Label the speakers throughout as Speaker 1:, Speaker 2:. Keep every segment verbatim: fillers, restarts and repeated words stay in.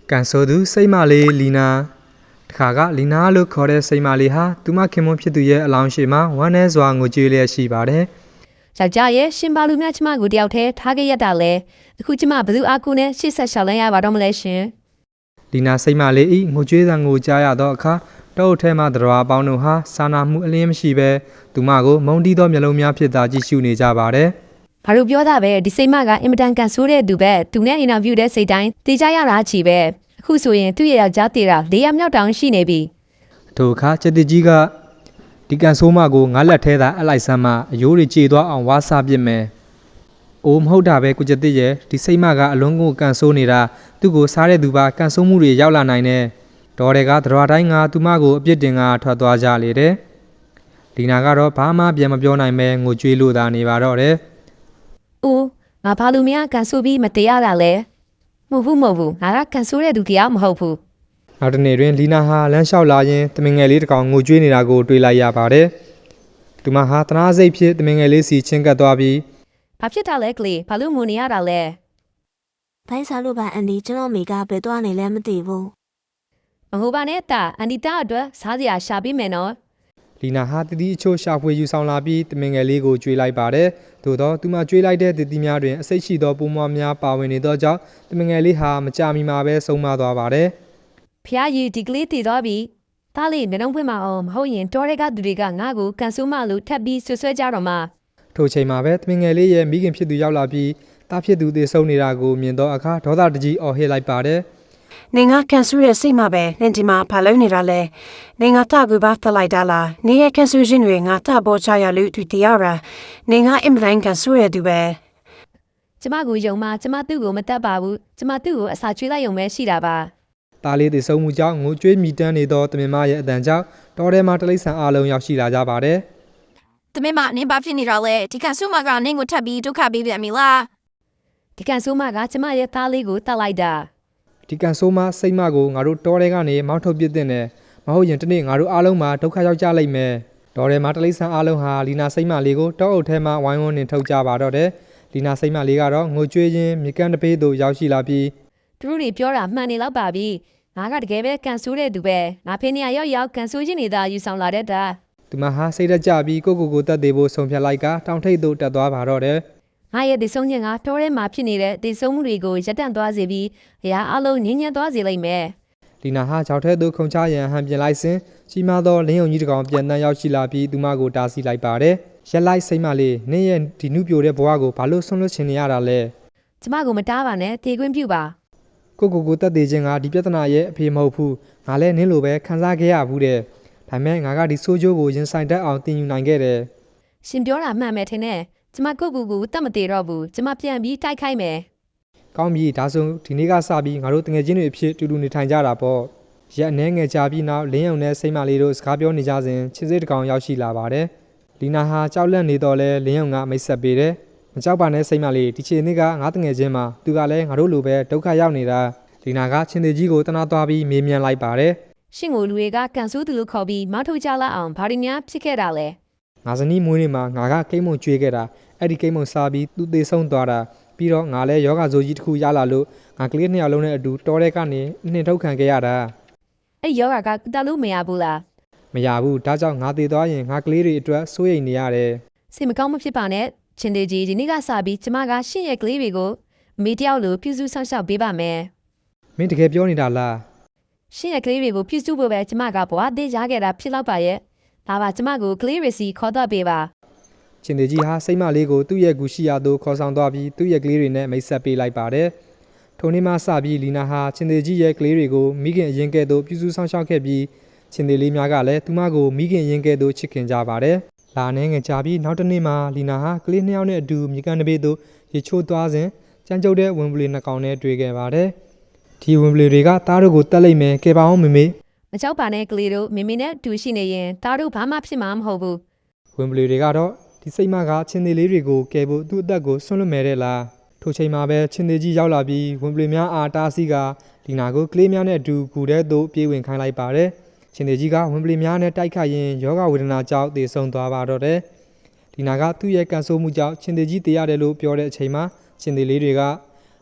Speaker 1: ကန်ဆိုသူစိတ်မလေးလီနာတခါကလီနာလို့ခေါ်တဲ့စိတ်မလေးဟာသူမခင်မွန်းဖြစ်သူရဲ့အလောင်းရှိမှာဝမ်းနည်းစွာငိုကြွေးလျက်ရှိပါတယ်
Speaker 2: ။ယောက်ျားရဲ့ရှင်ဘာလူမြတ်ကျမကိုတယောက်တည်းထားခဲ့ရတာလဲအခုကျမဘယ်သူအားကိုနဲ့ရှေ့ဆက်ရှောက်လန်းရပါတော့မလဲရှင်
Speaker 1: ။လီနာစိတ်မလေးဤငိုကြွေးသံကိုကြားရသောအခါတောအုပ်ထဲမှတရားပေါင်းတို့ဟာစာနာမှုအလင်းမရှိဘဲသူမကိုမုန်းတီးသောမျက်လုံးများဖြစ်သာကြည့်ရှုနေကြပါတယ်
Speaker 2: ။ဘာလို့ပြောတာပဲဒီစိတ်မကအင်မတန်ကန်ဆိုးတဲ့သူပဲသူနဲ့အင်တာဗျူးတဲ့စိတ်တိုင်းတေးကြရတာချီပဲအခုဆိုရင်သူ့ရဲ့ယောက်ျားတေးတာလေးရမြောက်တောင်ရှိနေပြီ
Speaker 1: ။ထိုအခါချက်တကြီးကဒီကန်ဆိုးမကိုငါလက်ထဲသာအလိုက်ဆမ်းမှအယိုးတွေကြေသွားအောင်ဝါစားပစ်မယ်။အိုးမဟုတ်တာပဲကိုချက်တစ်ရဲ့ဒီစိတ်မကအလုံးကိုကန်ဆိုးနေတာသူ့ကိုစားတဲ့သူပါကန်ဆိုးမှုတွေရောက်လာနိုင်တယ်။ဒေါ်တွေကတရားတိုင်းကသူမကိုအပြစ်တင်ကထွက်သွားကြလေတယ်။ဒီနာကတော့ဘာမှပြန်မပြောနိုင်ပဲငိုကြွေးလို့သာနေပါတော့တယ်
Speaker 2: ။အိုးငါဘာလို့မရကန်ဆိုးပြီးမတရားတာလဲ။မဟုတ်ဘူးမဟုတ်ဘူးငါကကန်ဆိုးတဲ့သူတရားမဟုတ်ဘူး
Speaker 1: ။နောက်တနေ့တွင်လီနာဟာလမ်းလျှောက်လာရင်တမင်ငယ်လေးတစ်ကောင်ငိုကြွေးနေတာကိုတွေ့လိုက်ရပါတယ်။သူမဟာတနာစိတ်ဖြစ်တမင်ငယ်လေးစီချင်းကပ်သွားပြီး
Speaker 2: ဘာဖြစ်တာလဲကလေးဘာလို့ငိုနေရတာလဲ
Speaker 3: ။ဘိုင်းစားလို့ပါအန်ဒီကျွန်တော်မိကဘယ်သွားနေလဲမသိဘူး
Speaker 2: ။မဟုတ်ပါနဲ့တာအန်ဒီတာအတွက်စားစရာရှာပေးမယ်နော်
Speaker 1: ။လီနာဟာတတိအချို့ရှာဖွေယူဆောင်လာပြီးတမင်ငယ်လေးကိုကြွေးလိုက်ပါတယ်။သို့သောသူမကြွေးလိုက်တဲ့တတိများတွင်အစိတ်ရှိသောပိုးမွားများပါဝင်နေသောကြောင့်တမင်ငယ်လေးဟာမကြမီမှာပဲဆုံးမသွားပါတယ်
Speaker 2: ။ဖျားကြီးဒီကလေးတည်သွားပြီ။ဒါလေးမျက်နှာဖွင့်မအောင်မဟုတ်ရင်တော်တွေကသူတွေကငါ့ကိုကန်ဆိုးမလို့ထပ်ပြီးဆွဆွဲကြတော့မှ
Speaker 1: ထိုချိန်မှာပဲတမင်ငယ်လေးရဲ့မိခင်ဖြစ်သူရောက်လာပြီးတားဖြစ်သူသေဆုံးနေတာကိုမြင်တော့အခါဒေါသတကြီးအော်ဟစ်လိုက်ပါတယ်
Speaker 4: ။နေငါကန်ဆူရဲ့စိတ်မှာပဲလင်ဒီမှာဖာလုံးနေတာလဲ။နေငါတာကူပါထလိုက်တာလား။နေရဲ့ကန်ဆူရှင်တွေငါတာပေါ်ချရလို့သူတရားရာ။နေငါအင်မတိုင်းကန်ဆူရဲ့သူပဲ
Speaker 2: ။ကျမကိုယုံမှကျမသူ့ကိုမတတ်ပါဘူး။ကျမသူ့ကိုအစာကျွေးလိုက်ရုံပဲရှိတာပါ
Speaker 1: ။တားလေးသေဆုံးမှုကြောင့်ငိုကြွေးမိတမ်းနေသောတမင်မရဲ့အတန်ကြောင့်တော်ထဲမှာတလိษံအလုံးရောက်ရှိလာကြပါတယ်
Speaker 5: ။တမင်မနင်းဘာဖြစ်နေတာလဲဒီကန်ဆူမကနင်းကိုထပ်ပြီးဒုက္ခပေးပြန်ပြီလား
Speaker 2: ။ဒီကန်ဆူမကကျမရဲ့သားလေးကိုတတ်လိုက်တာ
Speaker 1: ။ဒီကန်ဆိုးမစိတ်မကိုငါတို့တောထဲကနေမောင်းထုတ်ပစ်တဲ့နဲ့မဟုတ်ရင်တနေ့ငါတို့အားလုံးမှာဒုက္ခရောက်ကြလိမ့်မယ်။တော်ထဲမှာတလိษံအားလုံးဟာလီနာစိတ်မလေးကိုတောအုပ်ထဲမှာဝိုင်းဝန်းနေထုတ်ကြပါတော့တယ်။လီနာစိတ်မလေးကတော့ငိုကြွေးရင်းမြေကမ်းတစ်ပေးသို့ရောက်ရှိလာပြီး
Speaker 2: သူတို့တွေပြောတာမှန်နေလောက်ပါပြီ။ငါကတကယ်ပဲကန်ဆိုးတဲ့သူပဲ။ငါဖေးနေရရောက်ရောက်ကန်ဆိုးခြင်းနေတာယူဆောင်လာတဲ့တာ
Speaker 1: ။သူမဟာစိတ်တက်ကြပြီးကိုကိုကိုတတ်သေးဖို့ဆုံးဖြတ်လိုက်ကတောင်ထိပ်သို့တက်သွားပါတော့တယ်
Speaker 2: ။ငါရဲ့ဒီဆုံးခြင်းကတော်ထဲမှာဖြစ်နေတဲ့ဒီဆုံးမှုတွေကိုရပ်တန့်သွားစေပြီးအရာအလုံးငြင်းညံ့သွားစေလိမ့်မယ်
Speaker 1: ။လီနာဟာကြောက်ထဲသို့ခုန်ချရန်ဟန်ပြင်လိုက်စဉ်ကြီးမားသောလင်းယုံကြီးတစ်ကောင်ပြန်တန်းရောက်ရှိလာပြီးသူမကိုတားဆီးလိုက်ပါတယ်။ရက်လိုက်စိတ်မလေးနင်းရဲ့ဒီနုပြိုတဲ့ဘဝကိုဘာလို့ဆွန့်လွတ်ချင်နေရတာလဲ
Speaker 2: ။ကျမကိုမတားပါနဲ့တေခွင့်ပြုပါ
Speaker 1: ။ကိုကိုကိုတက်သေးခြင်းကဒီပြဿနာရဲ့အဖေမဟုတ်ဘူး။ငါလည်းနင်းလိုပဲခံစားခဲ့ရဘူးတဲ့။ဒါပေမဲ့ငါကဒီဆိုးကျိုးကိုရင်ဆိုင်တတ်အောင်တင်ယူနိုင်ခဲ့တယ်
Speaker 2: ။ရှင်ပြောတာမှန်မယ်ထင်တယ်။ကျမကိုကူကူတတ်မသေးတော့ဘူးကျမပြန်ပြီးတိုက်ခိုက်မယ်
Speaker 1: ကောင်းပြီဒါဆိုဒီနေ့ကစပြီးငါတို့တငယ်ချင်းတွေအဖြစ်တူတူနေထိုင်ကြတာပေါ့ရက်အနေငယ်ကြာပြီးနောက်လင်းယုံနဲ့စိတ်မလေးတို့စကားပြောနေကြစဉ်ချစ်စစ်တကောင်ရောက်ရှိလာပါတယ်လီနာဟာကြောက်လန့်နေတော့လဲလင်းယုံကမိတ်ဆက်ပေးတယ်မကြောက်ပါနဲ့စိတ်မလေးဒီချိန်နေ့ကငါတငယ်ချင်းမှာသူကလည်းငါတို့လိုပဲဒုက္ခရောက်နေတာလီနာကချင်းသေးကြီးကိုတနာသွားပြီးမေးမြန်းလိုက်ပါတယ်
Speaker 2: ရှင်ကိုလူတွေကကန်ဆူးသူလို့ခေါ်ပြီးမောက်ထုတ်ကြလာအောင်ဘာတွေများဖြစ်ခဲ့တာလဲ
Speaker 1: ငါဇနီးမွေးနေ့မှာငါကကိမ့်မုံကျွေးခဲ့တာအဲ့ဒီကိမ့်မုံစားပြီးသူသေဆုံးသွားတာပြီးတော့ငါလည်းယောဂဇိုကြီးတစ်ခုရလာလို့ငါကလေးနှစ်ယောက်လုံးနဲ့အတူတောထဲကနေနှင်ထုတ်ခံခဲ့ရတာ
Speaker 2: အဲ့ယောဂကတလို့မရဘူးလား
Speaker 1: မရဘူးဒါကြောင့်ငါသေသွားရင်ငါကလေးတွေအတွက်စိုးရိမ်နေရတယ်
Speaker 2: စိတ်မကောင်းမဖြစ်ပါနဲ့ချင်းတေကြီးဒီနေ့ကစပြီးကျမကရှင့်ရဲ့ကလေးတွေကိုမိတယောက်လိုပြုစုဆောင်ရှောက်ပေးပါမယ်
Speaker 1: မင်းတကယ်ပြောနေတာလား
Speaker 2: ရှင့်ရဲ့ကလေးတွေကိုပြုစုဖို့ပဲကျမကဘဝသေးရခဲ့တာဖြစ်တော့ပါရဲ့ဒါပါကျမကိုကလေးရစီခေါ်တော့ပေးပါ
Speaker 1: ချင်းသေးကြီးဟာစိတ်မလေးကိုသူ့ရဲ့ဂူရှိရာသို့ခေါ်ဆောင်သွားပြီးသူ့ရဲ့ကလေးတွေနဲ့မိတ်ဆက်ပေးလိုက်ပါတယ်ထိုနေ့မှစပြီးလီနာဟာချင်းသေးကြီးရဲ့ကလေးတွေကိုမိခင်အရင်ကဲ့သို့ပြုစုဆောင်ရှောက်ခဲ့ပြီးချင်းသေးလေးများကလည်းသူမကိုမိခင်အရင်ကဲ့သို့ချစ်ခင်ကြပါတယ်လာနေငယ်ကြာပြီးနောက်တစ်နေ့မှလီနာဟာကလေးနှစ်ယောက်နဲ့အတူမြေကန်တစ်ပေသို့ရေချိုးသွားစဉ်ကြမ်းကြုတ်တဲ့ဝင်ပလီနှစ်ကောင်နဲ့တွေ့ခဲ့ပါတယ်ဒီဝင်ပလီတွေကသားတို့ကိုတက်လိုက်မယ်ကဲပါအောင်မေမေ
Speaker 2: မကြောက်ပါနဲ့ကလေးတို့မေမေနဲ့တူရှိနေရင်သားတို့ဘာမှဖြစ်မှာမဟုတ်ဘူး
Speaker 1: ဝင်ပလီတွေကတော့ဒီစိတ်မကချင်းသေးလေးတွေကိုကဲဖို့သူ့အသက်ကိုဆွန့်လွတ်မယ်တဲ့လားထိုချိန်မှာပဲချင်းသေးကြီးရောက်လာပြီးဝင်ပလီများအားတားဆီးကလီနာကိုကလေးများနဲ့အတူကူတဲ့သို့ပြေးဝင်ခိုင်းလိုက်ပါတယ်ချင်းသေးကြီးကဝင်ပလီများနဲ့တိုက်ခိုက်ရင်ယောဂဝေဒနာကြောင့်သေဆုံးသွားပါတော့တယ်လီနာကသူ့ရဲ့ကန်ဆိုးမှုကြောင့်ချင်းသေးကြီးတေးရတယ်လို့ပြောတဲ့အချိန်မှာချင်းသေးလေးတွေက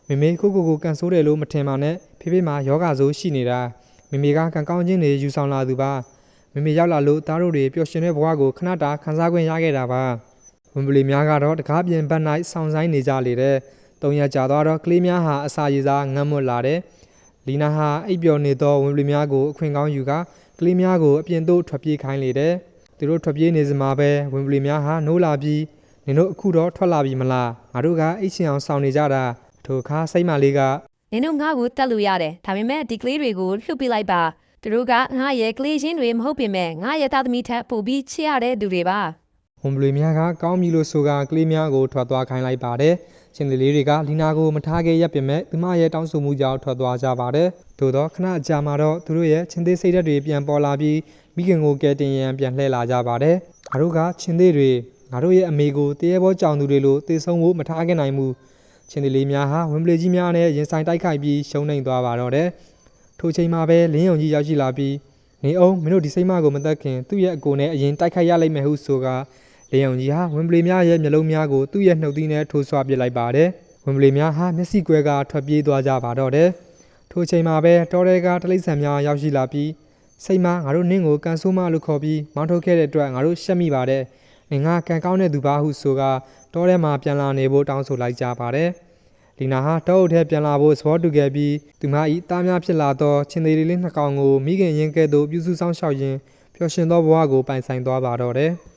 Speaker 1: မေမေကိုကိုကိုကန်ဆိုးတယ်လို့မထင်ပါနဲ့ဖေဖေမှာယောဂဆိုးရှိနေတာမေမေကကန်ကောင်းခြင်းတွေယူဆောင်လာသူပါမေမေရောက်လာလို့သားတို့တွေပျော်ရွှင်တဲ့ဘဝကိုခဏတာခန်းစားခွင့်ရခဲ့တာပါဝင်ပလီများကတော့တကားပြင်ဘက်၌ဆောင်းဆိုင်နေကြလေတဲ့တုံရက်ကြာသွားတော့ကလေးများဟာအစာရည်စားငတ်မွတ်လာတဲ့လီနာဟာအိပ်ပျော်နေသောဝင်ပလီများကိုအခွင့်ကောင်းယူကကလေးများကိုအပြင်သို့ထွက်ပြေးခိုင်းလေတဲ့သူတို့ထွက်ပြေးနေစမှာပဲဝင်ပလီများဟာနိုးလာပြီးနင်တို့အခုတော့ထွက်လာပြီမလားငါတို့ကအိတ်ချင်အောင်ဆောင်နေကြတာထိုအခါစိတ်မလေးက
Speaker 2: နင်တို့ငါ့ကိုတတ်လို့ရတယ်ဒါပေမဲ့ဒီကလေးတွေကိုလှုပ်ပြလိုက်ပါသူတို့ကငါရဲ့ကလေးချင်းတွေမဟုတ်ပေမဲ့ငါရဲ့သားသမီးထက်ပိုပြီးချစ်ရတဲ့သူတွေပါ
Speaker 1: ဝန်ပလွေများကကောင်းပြီလို့ဆိုကကလေးများကိုထွက်သွားခိုင်းလိုက်ပါတယ်ချင်းသေးလေးတွေကလီနာကိုမထားခဲ့ရပြင်မဲ့သူမရဲ့တောင်းဆိုမှုကြောင့်ထွက်သွားကြပါတယ်သို့တော့ခဏအကြာမှာတော့သူတို့ရဲ့ချင်းသေးစိတ်ဓာတ်တွေပြန်ပေါ်လာပြီးမိခင်ကိုကဲတင်ရန်ပြန်လှည့်လာကြပါတယ်ငါတို့ကချင်းသေးတွေငါတို့ရဲ့အမေကိုတရေဘောကြောင်သူတွေလိုတေဆုံးဖို့မထားခဲ့နိုင်ဘူးချင်းသေးလေးများဟာဝင်ပလေကြီးများနဲ့ရင်ဆိုင်တိုက်ခိုက်ပြီးရှုံးနိမ့်သွားပါတော့တယ်ထိုချိန်မှာပဲလင်းယုံကြီးရောက်ရှိလာပြီးနေအောင်မင်းတို့ဒီစိတ်မကိုမသက်ခင်သူ့ရဲ့အကိုနဲ့အရင်တိုက်ခိုက်ရလိမ့်မယ်ဟုဆိုကလင်းယုံကြီးဟာဝင်ပလေများရဲ့မျက်လုံးများကိုသူ့ရဲ့နှုတ်သီးနဲ့ထိုးဆွပစ်လိုက်ပါတယ်ဝင်ပလေများဟာမျက်စိကွဲကထွက်ပြေးသွားကြပါတော့တယ်ထိုချိန်မှာပဲတောထဲကတလိษံများရောက်ရှိလာပြီးစိတ်မငါတို့နင်းကိုကန်ဆိုးမလို့ခေါ်ပြီးမောင်းထုတ်ခဲ့တဲ့အတွက်ငါတို့ရှက်မိပါတယ်နင်ကကန်ကောင်းတဲ့သူပါဟုဆိုကတောထဲမှာပြန်လာနေဖို့တောင်းဆိုလိုက်ကြပါတယ်လီနာဟာတောအုပ်ထဲပြန်လာဖို့သဘောတူခဲ့ပြီးသူမ၏တားများဖြစ်လာသောချင်းသေးလေးနှစ်ကောင်ကိုမိခင်ရင်းကဲ့သို့ပြုစုဆောင်ရှောက်ရင်းပျော်ရွှင်သောဘဝကိုပိုင်ဆိုင်သွားပါတော့တယ်